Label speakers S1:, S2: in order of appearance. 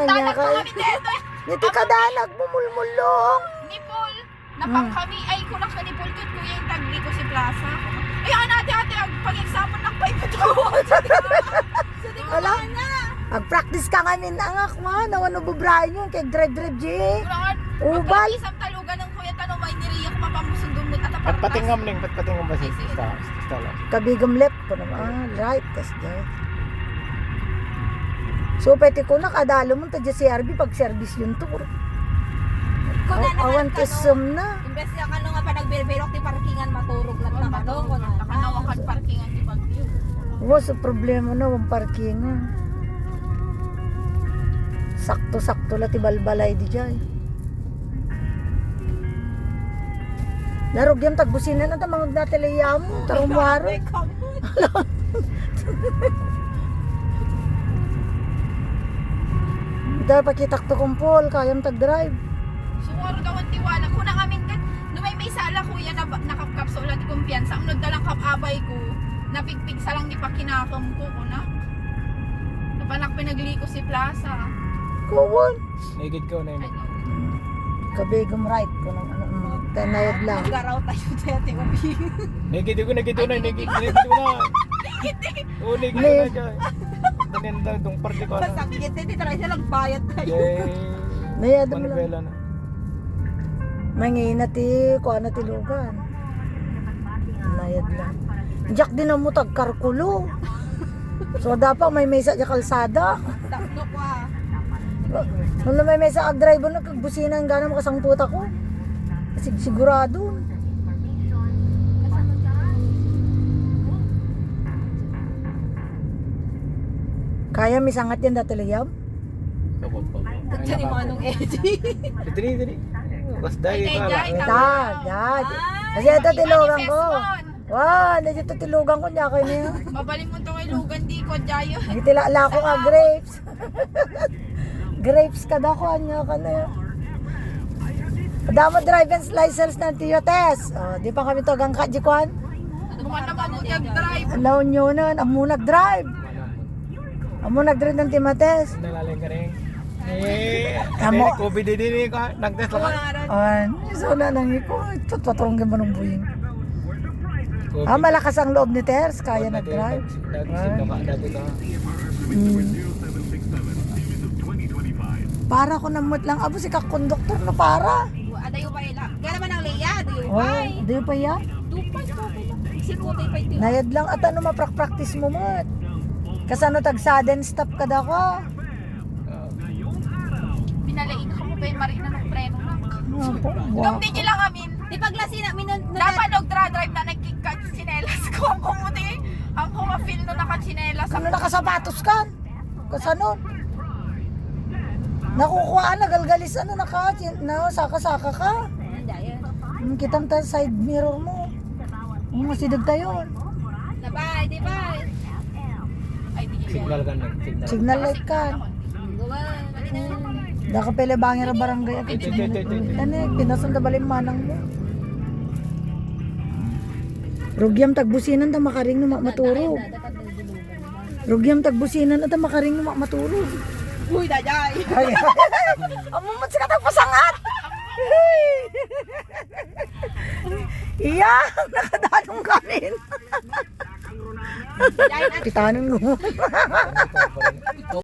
S1: Dalag
S2: ka.
S1: mo kami dito.
S2: Niti ka dalag, bumulmulong.
S1: Nipol. Napang kami. Ay, kunak sa nipol kat kuya yung tagli ko si Plaza. Ay, ate, pag-example ng 5 ito. Sa di ko
S2: Ala?
S1: na.
S2: Ag-practice ka nga ninangak ma. Nawano bubrahin yun kay Dred J.
S1: Kulangan.
S2: Ubal.
S1: Isang talugan ng kuya tanong may niriya ko mapamusundong mo. At
S3: Patpatingam ning, patpatingam ba si
S1: Ay, sige.
S3: Stella?
S2: Kabigam left ko naman. Right, tas dyan. So, pwede ko nakadalo mo tadya si RB pag service yun to. Awan kisum na.
S4: Imbes na kano nga pa nagbirberok ti parkingan maturog lang na kano ko na.
S1: Nakanawakan parkingan di Bagyo.
S2: Was so problema na ang parkingan. Sakto-sakto la ti balbalay di jay. Larog yung tagbusinan na tamang nateleyam. Tarumwaro. Dahil pakitak to kumpol, kayang tag-drive.
S1: Sumuro daw ang tiwala. Kung na kami kat, may sala kuya na nakapkapso ulit kumpiyansa. Unod na lang kapabay ko. Napigpig sa lang di pa kinakam ko. Kunak. Napanak pinagliko si Plaza.
S2: Kuwan.
S3: Naigid ko na
S1: Ay,
S3: yun.
S2: Kabigam right ko ng ano, tanayad lang.
S4: Garaw tayo dati ubi.
S3: Naigid ko na. Naigid ko na. Oo, naigid ko na dyan. Tanenda dong party ko na.
S4: Masakit eh, titry silang bayad tayo.
S3: Yay.
S2: Nayad mo lang.
S3: Manibela na.
S2: Mangina ti, kuha na tilugan. Nayad lang. Diyak din ang mutag karkulo. So dapat may mesa di kalsada.
S4: Takno ko ah.
S2: Nung may mesa ag-drive na kagbusinan gana makasangputa ko. Sigurado. Kaya misangat yan dati liyab?
S4: Diyan yung mga nung Eddie.
S3: Dili. Bas dahil
S1: Ay,
S3: ka
S1: ay,
S3: lang.
S2: Dad. Kasi ito tilugan ko. Wow, dito tilugan ko niya kayo niya.
S1: Mabaling mo itong ilugan di ko dyayo.
S2: Nagtilala ko nga grapes. Grapes ka daw ko niya ka na yun. Damo driver's license ng Tiotes. Oh, di pa kami to gang kajikuan.
S1: Mukha naman mo nag-drive.
S2: Alaw nyo nun, amo nag-drive. Amo nag-drive ng Timates.
S3: Nalalay ka rin.
S2: Amo.
S3: COVID din ko. Nag-test lang.
S2: So na nang iko, tutwatrong ka manong buyin. Malakas ang loob ni Ters, kaya nag-drive.
S3: Dati ka.
S2: Para ko namut lang, abo si kakonduktor na para.
S4: Adayo pa ila. Kaya naman ang Leia, adayo pa.
S2: Oh, di pa ya?
S4: Dupay ko. Sikutay pa ito.
S2: Nayad lang at ano maprak-practice mo mat. Kasano tag sudden stop ka daw ko.
S1: Pinalain ka mo ba yung marina ng preno lang.
S2: Wow.
S1: Nung di lang amin.
S4: Di paglasi na
S1: Dapat nag-drive na nagkikatsinelas ko. Ang kumuti. Ang kumafil no nakatsinelas.
S2: Ano nakasapatos ka? Kasano? Nakukuhaan na galgalis ano saka-saka ka. Kitang ta side mirror mo. Masidag tayo.
S4: Nabay, di ba?
S1: Ay, di
S3: Signal ka na.
S2: Signal light ka.
S4: Gawa.
S2: Daka pele bangir barangay agad. Ano pinasunda balin manang mo. Rugyam tagbusinan ta makaring no maturog. Rugyam tagbusinan ta makaring no maturog.
S4: Uy, dajay.
S2: Amumot sa katang pasangat. Iya, nakadanong kanin. Pitanon mo.